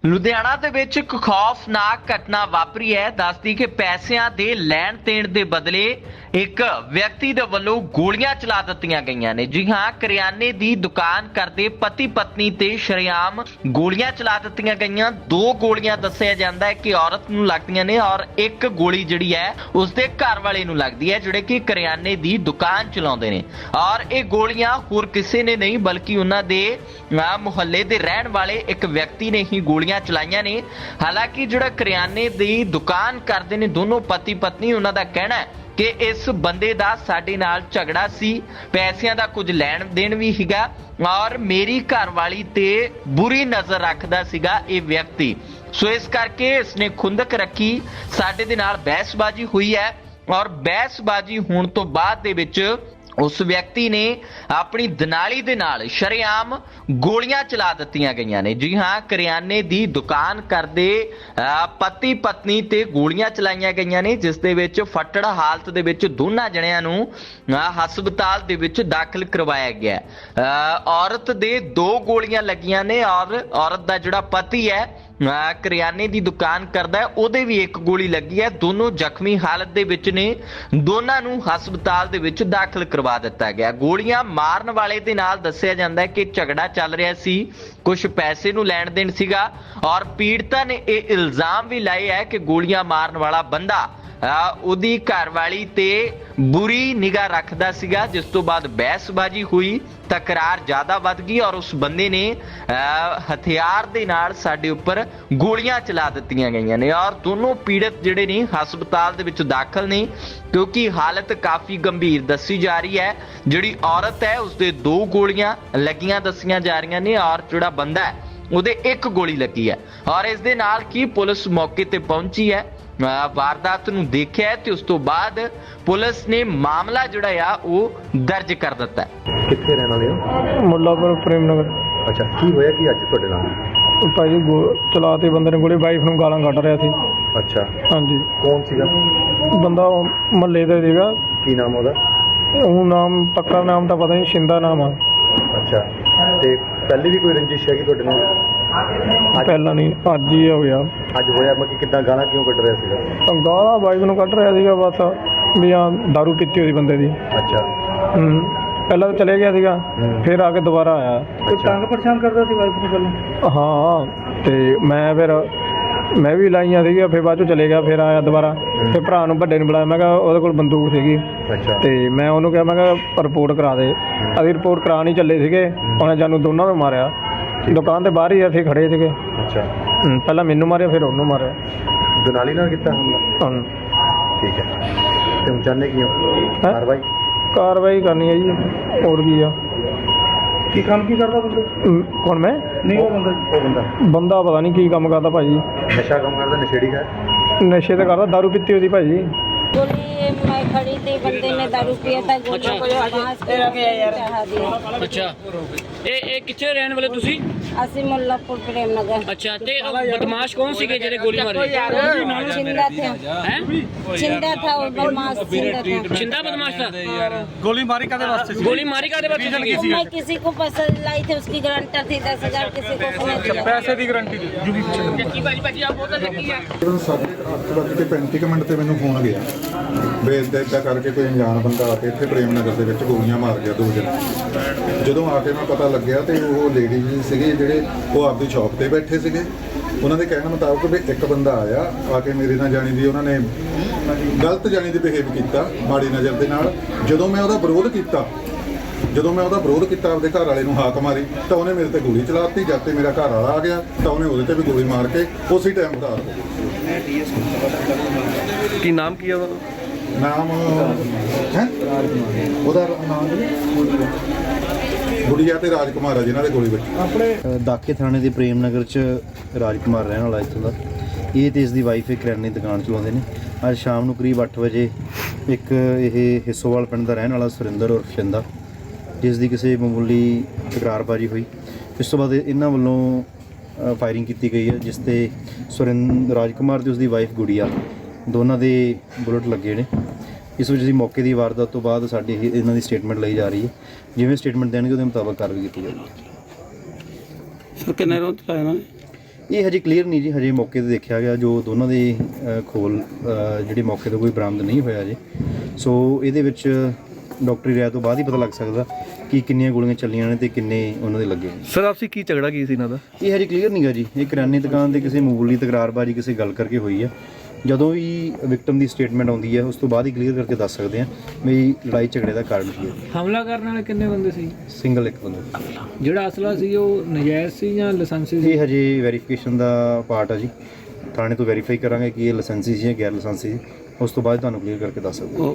ਲੁਧਿਆਣਾ ਦੇ ਵਿੱਚ ਇੱਕ ਖੌਫਨਾਕ ਘਟਨਾ ਵਾਪਰੀ ਹੈ। ਦੱਸਦੀ ਕਿ ਪੈਸਿਆਂ ਦੇ ਲੈਣ ਦੇਣ ਦੇ ਬਦਲੇ ਇੱਕ ਵਿਅਕਤੀ ਦੇ ਵੱਲੋਂ ਗੋਲੀਆਂ ਚਲਾ ਦਿੱਤੀਆਂ ਗਈਆਂ ਨੇ। ਜੀ ਹਾਂ, ਕਰਿਆਨੇ ਦੀ ਦੁਕਾਨ ਕਰਦੇ ਪਤੀ ਪਤਨੀ ਤੇ ਸ਼ਰੇਆਮ ਗੋਲੀਆਂ ਚਲਾ ਦਿੱਤੀਆਂ ਗਈਆਂ। 2 ਗੋਲੀਆਂ ਦੱਸਿਆ ਜਾਂਦਾ ਹੈ ਕਿ ਔਰਤ ਨੂੰ ਲੱਗਦੀਆਂ ਨੇ ਔਰ ਇੱਕ ਗੋਲੀ ਜਿਹੜੀ ਹੈ ਉਸਦੇ ਘਰ ਵਾਲੇ ਨੂੰ ਲੱਗਦੀ ਹੈ, ਜਿਹੜੇ ਕਿ ਕਰਿਆਨੇ ਦੀ ਦੁਕਾਨ ਚਲਾਉਂਦੇ ਨੇ। ਔਰ ਇਹ ਗੋਲੀਆਂ ਹੋਰ ਕਿਸੇ ਨੇ ਨਹੀਂ ਬਲਕਿ ਉਹਨਾਂ ਦੇ ਮੁਹੱਲੇ ਦੇ ਰਹਿਣ ਵਾਲੇ ਇੱਕ ਵਿਅਕਤੀ ਨੇ ਹੀ ਗੋਲੀਆਂ ਚਲਾਈਆਂ ਨੇ। ਹਾਲਾਂਕਿ ਜਿਹੜਾ ਕਰਿਆਨੇ ਦੀ ਦੁਕਾਨ ਕਰਦੇ ਨੇ ਦੋਨੋਂ ਪਤੀ ਪਤਨੀ, ਉਹਨਾਂ ਦਾ ਕਹਿਣਾ ਹੈ ਕਿ ਇਸ ਬੰਦੇ ਦਾ ਸਾਡੇ ਨਾਲ ਝਗੜਾ ਸੀ, ਪੈਸਿਆਂ ਦਾ ਕੁਝ ਲੈਣ ਦੇਣ ਵੀ ਸੀਗਾ ਔਰ ਮੇਰੀ ਘਰਵਾਲੀ ਤੇ ਬੁਰੀ ਨਜ਼ਰ ਰੱਖਦਾ ਸੀਗਾ ਇਹ ਵਿਅਕਤੀ। ਸੋ ਇਸ ਕਰਕੇ ਇਸਨੇ ਖੁੰਦਕ ਰੱਖੀ, ਸਾਡੇ ਦੇ ਨਾਲ ਬਹਿਸਬਾਜ਼ੀ ਹੋਈ ਹੈ ਔਰ ਬਹਿਸਬਾਜ਼ੀ ਹੋਣ ਤੋਂ ਬਾਅਦ ਦੇ ਵਿੱਚ ਉਸ ਵਿਅਕਤੀ ਨੇ ਆਪਣੀ ਦਨਾਲੀ ਦੇ ਨਾਲ ਸ਼ਰੇਆਮ ਗੋਲੀਆਂ ਚਲਾ ਦਿੱਤੀਆਂ ਗਈਆਂ ਨੇ। ਜੀ ਹਾਂ, ਕਰਿਆਨੇ ਦੀ ਦੁਕਾਨ ਕਰਦੇ ਪਤੀ ਪਤਨੀ ਤੇ ਗੋਲੀਆਂ ਚਲਾਈਆਂ ਗਈਆਂ ਨੇ, ਜਿਸ ਦੇ ਵਿੱਚ ਫੱਟੜ ਹਾਲਤ ਦੇ ਵਿੱਚ ਦੋਨਾਂ ਜਣਿਆਂ ਨੂੰ ਹਸਪਤਾਲ ਦੇ ਵਿੱਚ ਦਾਖਲ ਕਰਵਾਇਆ ਗਿਆ। ਔਰਤ ਦੇ 2 ਗੋਲੀਆਂ ਲੱਗੀਆਂ ਨੇ ਔਰ ਔਰਤ ਦਾ ਜਿਹੜਾ ਪਤੀ ਹੈ ਕਰਿਆਨੇ ਦੀ ਦੁਕਾਨ ਕਰਦਾ ਹੈ, ਉਹਦੇ ਵੀ 1 ਗੋਲੀ ਲੱਗੀ ਹੈ। ਦੋਨੋਂ ਜ਼ਖਮੀ ਹਾਲਤ ਦੇ ਵਿੱਚ ਨੇ। ਦੋਨਾਂ ਨੂੰ ਹਸਪਤਾਲ ਦੇ ਵਿੱਚ ਦਾਖਲ ਕਰਵਾ ਦਿੱਤਾ ਗਿਆ। ਗੋਲੀਆਂ ਮਾਰਨ ਵਾਲੇ ਦੇ ਨਾਲ ਦੱਸਿਆ ਜਾਂਦਾ ਹੈ ਕਿ ਝਗੜਾ ਚੱਲ ਰਿਹਾ ਸੀ, ਕੁਝ ਪੈਸੇ ਨੂੰ ਲੈਣ ਦੇਣ ਸੀਗਾ ਔਰ ਪੀੜਤਾ ਨੇ ਇਹ ਇਲਜ਼ਾਮ ਵੀ ਲਾਏ ਹੈ ਕਿ ਗੋਲੀਆਂ ਮਾਰਨ ਵਾਲਾ ਬੰਦਾ ਉਹਦੀ ਘਰਵਾਲੀ ਤੇ ਬੁਰੀ ਨਿਗਾਹ ਰੱਖਦਾ ਸੀਗਾ। ਜਿਸ ਤੋਂ ਬਾਅਦ ਬਹਿਸਬਾਜ਼ੀ ਹੋਈ, ਤਕਰਾਰ ਜ਼ਿਆਦਾ ਵੱਧ ਗਈ ਔਰ ਉਸ ਬੰਦੇ ਨੇ ਹਥਿਆਰ ਦੇ ਨਾਲ ਸਾਡੇ ਉੱਪਰ ਗੋਲੀਆਂ ਚਲਾ ਦਿੱਤੀਆਂ ਗਈਆਂ ਨੇ ਔਰ ਦੋਨੋਂ ਪੀੜਤ ਜਿਹੜੇ ਨੇ ਹਸਪਤਾਲ ਦੇ ਵਿੱਚ ਦਾਖਲ ਨੇ, ਕਿਉਂਕਿ ਹਾਲਤ ਕਾਫੀ ਗੰਭੀਰ ਦੱਸੀ ਜਾ ਰਹੀ ਹੈ। ਜਿਹੜੀ ਔਰਤ ਹੈ ਉਸਦੇ 2 ਗੋਲੀਆਂ ਲੱਗੀਆਂ ਦੱਸੀਆਂ ਜਾ ਰਹੀਆਂ ਨੇ ਔਰ ਜਿਹੜਾ ਬੰਦਾ ਹੈ ਉਹਦੇ 1 ਗੋਲੀ ਲੱਗੀ ਹੈ। ਔਰ ਇਸ ਦੇ ਨਾਲ ਕੀ ਪੁਲਿਸ ਮੌਕੇ ਤੇ ਪਹੁੰਚੀ ਹੈ, ਵਾਰਦਾਤ ਨੂੰ ਦੇਖਿਆ ਤੇ ਉਸ ਤੋਂ ਬਾਅਦ ਪੁਲਿਸ ਨੇ ਮਾਮਲਾ ਜਿਹੜਾ ਆ ਉਹ ਦਰਜ ਕਰ ਦਿੱਤਾ ਹੈ। ਕਿੱਥੇ ਰਹਿਣ ਵਾਲੇ ਹੋ? ਮੁੱਲਾਪੁਰ ਪ੍ਰੇਮ ਨਗਰ। ਅੱਛਾ, ਕੀ ਹੋਇਆ ਕੀ ਅੱਜ ਤੁਹਾਡੇ ਨਾਲ? ਭਾਈ ਚਲਾ ਤੇ ਬੰਦੇ ਨੇ ਗੋਲੀ, ਵਾਈਫ ਨੂੰ ਗਾਲਾਂ ਕੱਢ ਰਿਹਾ ਸੀ। ਅੱਛਾ, ਹਾਂਜੀ। ਕੌਣ ਸੀਗਾ? ਬੰਦਾ ਮਹੱਲੇ ਦਾ ਸੀਗਾ। ਕੀ ਨਾਮ ਉਹਦਾ? ਉਹ ਨਾਮ ਪੱਕਾ ਨਾਮ ਤਾਂ ਪਤਾ ਨਹੀਂ, ਸ਼ਿੰਦਾ ਨਾਮ ਆ। ਅੱਛਾ, ਤੇ ਪਹਿਲੇ ਵੀ ਕੋਈ ਰੰਜਿਸ਼ ਹੈਗੀ ਤੁਹਾਡੇ ਨਾਲ? ਪਹਿਲਾਂ ਨਹੀਂ, ਅੱਜ ਹੀ ਹੋਇਆ। ਅੱਜ ਹੋਇਆ ਮਤਲਬ ਕਿੱਦਾਂ? ਗਾਲਾਂ ਕਿਉਂ ਕੱਢ ਰਿਹਾ ਸੀਗਾ? ਗਾਲਾਂ ਵਾਈਫ ਨੂੰ ਕੱਢ ਰਿਹਾ ਸੀਗਾ ਬਸ, ਵੀ ਆ ਦਾਰੂ ਪੀਤੀ ਹੋਈ ਬੰਦੇ ਦੀ। ਅੱਛਾ। ਪਹਿਲਾਂ ਤਾਂ ਚਲੇ ਗਿਆ ਸੀਗਾ, ਫਿਰ ਆ ਕੇ ਦੁਬਾਰਾ ਆਇਆ। ਕੋਈ ਤੰਗ ਪਰੇਸ਼ਾਨ ਕਰਦਾ ਸੀ ਵਾਈਫ ਨੂੰ ਪਹਿਲਾਂ? ਹਾਂ, ਤੇ ਮੈਂ ਵੀ ਲਾਈਆਂ ਸੀਗੀਆਂ, ਫਿਰ ਬਾਅਦ ਚੋਂ ਚਲੇ ਗਿਆ, ਫਿਰ ਆਇਆ ਦੁਬਾਰਾ। ਫਿਰ ਭਰਾ ਨੂੰ ਵੱਡੇ ਨੂੰ ਬੁਲਾਇਆ, ਮੈਂ ਕਿਹਾ ਉਹਦੇ ਕੋਲ ਬੰਦੂਕ ਸੀਗੀ। ਅੱਛਾ। ਤੇ ਮੈਂ ਉਹਨੂੰ ਕਿਹਾ, ਮੈਂ ਕਿਹਾ ਰਿਪੋਰਟ ਕਰਾ ਦੇ। ਅਸੀਂ ਰਿਪੋਰਟ ਕਰਾਉਣ ਹੀ ਚੱਲੇ ਸੀਗੇ, ਉਹਨੇ ਸਾਨੂੰ ਦੋਨਾਂ ਨੂੰ ਮਾਰਿਆ। ਦੁਕਾਨ ਦੇ ਬਾਹਰ ਹੀ ਅਸੀਂ ਖੜੇ ਸੀਗੇ। ਅੱਛਾ। ਪਹਿਲਾਂ ਮੈਨੂੰ ਮਾਰਿਆ, ਫਿਰ ਉਹਨੂੰ ਮਾਰਿਆ। ਦੁਨਾਲੀ ਨਾਲ ਕੀਤਾ ਹਮਲਾ? ਠੀਕ ਹੈ। ਤੇ ਹੁਣ ਚਾਹੁੰਦੇ ਕੀ ਹੋ? ਕਾਰਵਾਈ ਕਰਨੀ ਹੈ ਜੀ, ਹੋਰ ਕੀ ਆ। ਕੀ ਕੰਮ ਕੀ ਕਰਦਾ ਬੰਦਾ? ਹੁਣ ਮੈਂ ਨਹੀਂ, ਉਹ ਬੰਦਾ ਪਤਾ ਨਹੀਂ ਕੀ ਕੰਮ ਕਰਦਾ ਭਾਜੀ। ਨਸ਼ਾ ਕੰਮ ਕਰਦਾ? ਨਸ਼ੇੜੀ ਹੈ? ਨਸ਼ੇ ਤਾਂ ਕਰਦਾ, ਦਾਰੂ ਪੀਤੀ ਹੋਈ ਭਾਜੀ। गोली मैं खड़ी थी, बंदे ने दारू पिया था, गोली चढ़ा दिया। ਅੱਛਾ, ਇਹ ਕਿੱਥੇ ਰਹਿਣ ਵਾਲੇ ਤੁਸੀਂ? ਅਸੀਂ ਮੁੱਲਾਪੁਰ ਪ੍ਰੇਮ ਨਗਰ। ਅੱਛਾ, ਤੇ ਬਦਮਾਸ਼ ਕੌਣ ਸੀਗੇ ਜਿਹੜੇ ਗੋਲੀ ਮਾਰੇ? चिंदा थे, ਹੈ चिंदा था और बदमाश चिंदा था। ਚਿੰਦਾ ਬਦਮਾਸ਼ था। गोली मारी कादे वास्ते? गोली मारी कादे वास्ते सीगी? मैं किसी को पसंद लाई थी, उसकी गारंटर थी 10,000, किसी को उसने दिया। पैसे की गारंटी दी साढ़े 8:35 मिनट ਤੇ ਮੈਨੂੰ ਫੋਨ ਗਿਆ ਵੀ ਇੱਦਾਂ ਕਰਕੇ ਕੋਈ ਅਣਜਾਣ ਬੰਦਾ ਆ ਕੇ ਇੱਥੇ ਪ੍ਰੇਮ ਨਗਰ ਦੇ ਵਿੱਚ ਗੋਲੀਆਂ ਮਾਰ ਗਿਆ 2 ਜਣੇ। ਜਦੋਂ ਆ ਕੇ ਮੈਂ ਪਤਾ ਲੱਗਿਆ ਤੇ ਉਹ ਲੇਡੀ ਜੀ ਸੀਗੇ ਜਿਹੜੇ ਉਹ ਆਪਦੀ ਸ਼ਾਪ ਤੇ ਬੈਠੇ ਸੀਗੇ। ਉਹਨਾਂ ਦੇ ਕਹਿਣ ਮੁਤਾਬਕ ਵੀ ਇੱਕ ਬੰਦਾ ਆਇਆ ਆ ਕੇ ਮੇਰੇ ਨਾਲ ਜਾਣੀ ਦੀ ਉਹਨਾਂ ਨੇ ਗਲਤ ਜਾਣੀ ਦੀ ਬਿਹੇਵ ਕੀਤਾ, ਮਾੜੀ ਨਜ਼ਰ ਦੇ ਨਾਲ। ਜਦੋਂ ਮੈਂ ਉਹਦਾ ਵਿਰੋਧ ਕੀਤਾ ਆਪਦੇ ਘਰ ਵਾਲੇ ਨੂੰ ਹਾਕ ਮਾਰੀ ਤਾਂ ਉਹਨੇ ਮੇਰੇ ਤੇ ਗੋਲੀ ਚਲਾਤੀ। ਜਦ ਤੇ ਮੇਰਾ ਘਰ ਵਾਲਾ ਆ ਗਿਆ ਤਾਂ ਉਹਨੇ ਉਹਦੇ ਤੇ ਵੀ ਗੋਲੀ ਮਾਰ ਕੇ ਉਸੇ ਟਾਈਮ ਫਰਾਰ ਹੋ ਗਿਆ। ਕੀ ਨਾਮ ਕੀ ਹੈ ਉਹਦਾ? ਨਾਮ ਹੈ ਉਹਦਾ ਨਾਮ ਗੁੜੀਆ ਤੇ ਰਾਜਕੁਮਾਰ ਆ ਜਿਨ੍ਹਾਂ ਦੇ ਗੋਲੀ ਵੱਜੀ। ਆਪਣੇ ਦਾਕੇ ਥਾਣੇ ਦੇ ਪ੍ਰੇਮ ਨਗਰ 'ਚ ਰਾਜਕੁਮਾਰ ਰਹਿਣ ਵਾਲਾ ਇੱਥੋਂ ਦਾ। ਇਹ ਤੇ ਇਸ ਦੀ ਵਾਈਫ ਇੱਕ ਕਰਿਆਨੇ ਦੀ ਦੁਕਾਨ ਚਲਾਉਂਦੇ ਨੇ। ਅੱਜ ਸ਼ਾਮ ਨੂੰ ਕਰੀਬ 8 ਵਜੇ ਇੱਕ ਇਹ ਹਿੱਸੋਵਾਲ ਪਿੰਡ ਦਾ ਰਹਿਣ ਵਾਲਾ ਸੁਰਿੰਦਰ ਔਰ ਸ਼ਿੰਦਾ, ਜਿਸ ਦੀ ਕਿਸੇ ਮਾਮੂਲੀ ਤਕਰਾਰਬਾਜ਼ੀ ਹੋਈ। ਇਸ ਤੋਂ ਬਾਅਦ ਇਹਨਾਂ ਵੱਲੋਂ ਫਾਇਰਿੰਗ ਕੀਤੀ ਗਈ ਹੈ, ਜਿਸ ਤੇ ਰਾਜਕੁਮਾਰ ਤੇ ਉਸਦੀ ਵਾਈਫ ਗੁੜੀਆ ਦੋਨਾਂ ਦੇ ਬੁਲਟ ਲੱਗੇ ਨੇ। ਇਸ ਵਿੱਚ ਦੀ ਮੌਕੇ ਦੀ ਵਾਰਦਾਤ ਤੋਂ ਬਾਅਦ ਸਾਡੀ ਇਹਨਾਂ ਦੀ ਸਟੇਟਮੈਂਟ ਲਈ ਜਾ ਰਹੀ ਹੈ। ਜਿਵੇਂ ਸਟੇਟਮੈਂਟ ਦੇਣਗੇ ਉਹਦੇ ਮੁਤਾਬਕ ਕਾਰਵਾਈ ਕੀਤੀ ਜਾਵੇਗੀ। ਸਰ ਕਿੰਨੇ ਰੋਜ਼ ਚਲਾਇਆ ਇਹਨਾਂ ਨੇ? ਇਹ ਹਜੇ ਕਲੀਅਰ ਨਹੀਂ ਜੀ, ਹਜੇ ਮੌਕੇ ਤੇ ਦੇਖਿਆ ਗਿਆ ਜੋ ਦੋਨਾਂ ਦੇ ਖੋਲ ਜਿਹੜੇ ਮੌਕੇ ਤੇ ਕੋਈ ਬਰਾਮਦ ਨਹੀਂ ਹੋਇਆ ਜੀ। ਸੋ ਇਹਦੇ ਵਿੱਚ ਡਾਕਟਰੀ ਰਾਇ ਤੋਂ ਬਾਅਦ ਹੀ ਪਤਾ ਲੱਗ ਸਕਦਾ ਕਿ ਕਿੰਨੀਆਂ ਗੋਲੀਆਂ ਚੱਲੀਆਂ ਨੇ ਤੇ ਕਿੰਨੇ ਉਹਨਾਂ ਦੇ ਲੱਗੇ ਨੇ। ਸਰ ਆਪਸੀ ਕੀ ਝਗੜਾ ਕੀ ਸੀ ਇਹਨਾਂ ਦਾ? ਇਹ ਹਜੇ ਕਲੀਅਰ ਨਹੀਂਗਾ ਜੀ। ਇਹ ਕਰਿਆਨੇ ਦੁਕਾਨ ਤੇ ਕਿਸੇ ਮਾਮੂਲੀ ਤਕਰਾਰਬਾਜ਼ੀ ਕਿਸੇ ਗੱਲ ਕਰਕੇ ਹੋਈ ਆ। ਜਦੋਂ ਵੀ ਵਿਕਟਮ ਦੀ ਸਟੇਟਮੈਂਟ ਆਉਂਦੀ ਹੈ ਉਸ ਤੋਂ ਬਾਅਦ ਹੀ ਕਲੀਅਰ ਕਰਕੇ ਦੱਸ ਸਕਦੇ ਹਾਂ ਵੀ ਲੜਾਈ ਝਗੜੇ ਦਾ ਕਾਰਨ ਕੀ ਹੈ। ਹਮਲਾ ਕਰਨ ਵਾਲੇ ਕਿੰਨੇ ਬੰਦੇ ਸੀ? ਸਿੰਗਲ ਇੱਕ ਬੰਦਾ। ਜਿਹੜਾ ਅਸਲਾ ਸੀ ਉਹ ਨਜਾਇਜ਼ ਸੀ ਜਾਂ ਲਾਇਸੈਂਸੀ ਸੀ? ਇਹ ਹਜੇ ਵੈਰੀਫਿਕੇਸ਼ਨ ਦਾ ਪਾਰਟ ਆ ਜੀ। ਥਾਣੇ ਤੋਂ ਵੈਰੀਫਾਈ ਕਰਾਂਗੇ ਕਿ ਇਹ ਲਾਇਸੈਂਸੀ ਸੀ ਜਾਂ ਗੈਰ ਲਾਇਸੈਂਸੀ ਸੀ, ਉਸ ਤੋਂ ਬਾਅਦ ਤੁਹਾਨੂੰ ਕਲੀਅਰ ਕਰਕੇ ਦੱਸ ਸਕਦੇ ਹਾਂ।